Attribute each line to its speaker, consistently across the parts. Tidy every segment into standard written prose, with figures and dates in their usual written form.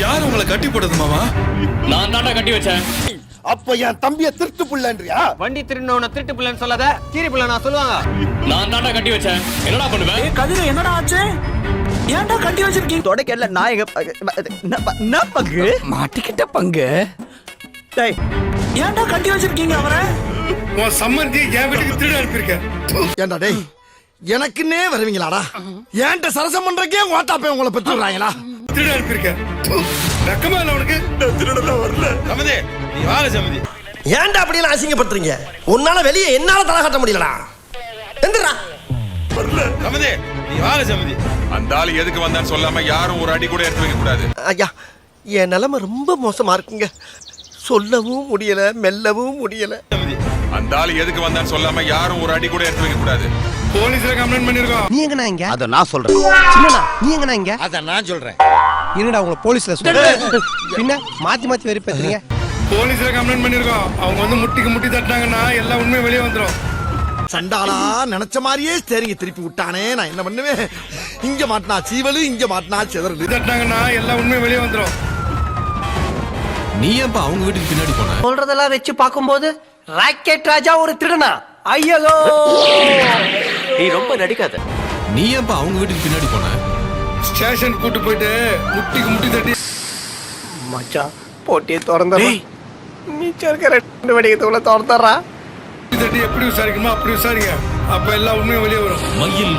Speaker 1: யார் உங்களை கட்டி போட்டது மாமா?
Speaker 2: நான் தாண்டா கட்டி வச்சேன்.
Speaker 3: அப்ப என் தம்பிய திருட்டு புள்ளன்றியா?
Speaker 4: வண்டி திருநோன திருட்டு புள்ளன்னு சொல்லாத, கீரி புள்ள நான் சொல்லுவாங்க.
Speaker 2: நான் தாண்டா கட்டி வச்சேன். என்னடா பண்ணுவேன்?
Speaker 5: கதிர என்னடா ஆச்சு? ஏன்டா கட்டி வச்சிருக்கீங்க?
Speaker 4: தொடக்கல நாயக என்ன பங்கு
Speaker 5: மாட்டிக்கிட்ட பங்கு. டேய் ஏன்டா கட்டி வச்சிருக்கீங்க அவரை?
Speaker 1: உன் சம்மந்தி என் வீட்டுக்கு திருட அனுப்பியிருக்க.
Speaker 3: ஏண்டா டேய், எனக்குன்னே வருவீங்களாடா? ஏன்ட்ட சரசம் பண்றக்கே ஓட்டாப்பே உங்களை பெற்று விடுறாங்களா?
Speaker 1: திருட அனுப்பியிருக்க. வெக்கமா இல்ல உனக்கு? திருடலாம் வரல. சமதி நீ வாழ சமதி.
Speaker 3: ஏன்டா அப்படியெல்லாம் அசிங்கப்படுத்துறீங்க? உன்னால வெளியே என்னால தலை காட்ட முடியலடா. எந்திரா
Speaker 1: வரல. சமதி நீ வாழ சமதி.
Speaker 6: அந்த ஆளு எதுக்கு வந்தான்னு சொல்லாம யாரும் ஒரு அடி கூட எடுத்து வைக்க கூடாது.
Speaker 3: ஐயா, என் நிலைமை ரொம்ப மோசமா இருக்குங்க. சொல்லவும் முடியல, மெல்லவும் முடியல.
Speaker 6: அந்த ஆளு எதுக்கு வந்தான்னு சொல்லாம யாரும் ஒரு அடி கூட எடுத்து வைக்க கூடாது.
Speaker 1: போலீஸ்ல கம்ப்ளைண்ட் பண்ணிருக்கோம்.
Speaker 7: நீ எங்கண்ணா இங்க?
Speaker 4: அத நான் சொல்றேன்.
Speaker 7: சின்னண்ணா நீ எங்கண்ணா இங்க?
Speaker 3: அத நான் சொல்றேன்.
Speaker 7: என்னடா உங்களை போலீஸ்ல சொல்ற? பின்ன மாத்தி மாத்தி வெறி பேசுறீங்க.
Speaker 1: போலீஸ்ல கம்ப்ளைண்ட் பண்ணிருக்கோம். அவங்க வந்து முட்டிக்கு முட்டி தட்டினாங்கன்னா எல்லா உண்மையும் வெளியே வந்துரும்.
Speaker 3: சண்டாளா நினைச்ச மாதிரியே ஸ்டேரிங்க திருப்பி விட்டானே. நான் என்ன பண்ணுவேன்? இங்க மாட்டினா சீவலு, இங்க மாட்டினா செதறலு.
Speaker 1: தட்டினாங்கன்னா எல்லா உண்மையும் வெளியே வந்துரும்.
Speaker 8: நீ ஏன்பா அவங்க வீட்டுக்கு பின்னாடி போன?
Speaker 5: சொல்றதெல்லாம் வச்சு பாக்கும்போது ராக்கெட் ராஜா ஒரு திருடனா? ஐயோ
Speaker 4: நீ ரொம்ப நடிக்காத.
Speaker 8: நீ ஏன்பா அவங்க வீட்டுக்கு பின்னாடி போன?
Speaker 1: ஸ்டேஷன் கூட்டு போயிட்டு முட்டிக்கு முட்டி தட்டி
Speaker 5: மச்சான் போட்டியை திறந்துடுறா. மிச்சம் இருக்க 2 வெடிக்கிறதுக்குள்ள திறந்துடுறா.
Speaker 1: தட்டி எப்படி விசாரிக்கணுமோ அப்படி விசாரிங்க. அப்ப எல்லா உண்மையும் வெளியே வரும்.
Speaker 8: மயில்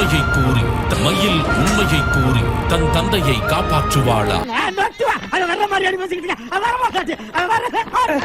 Speaker 8: உண்மையை கூறி தன் தந்தையை காப்பாற்றுவாளா?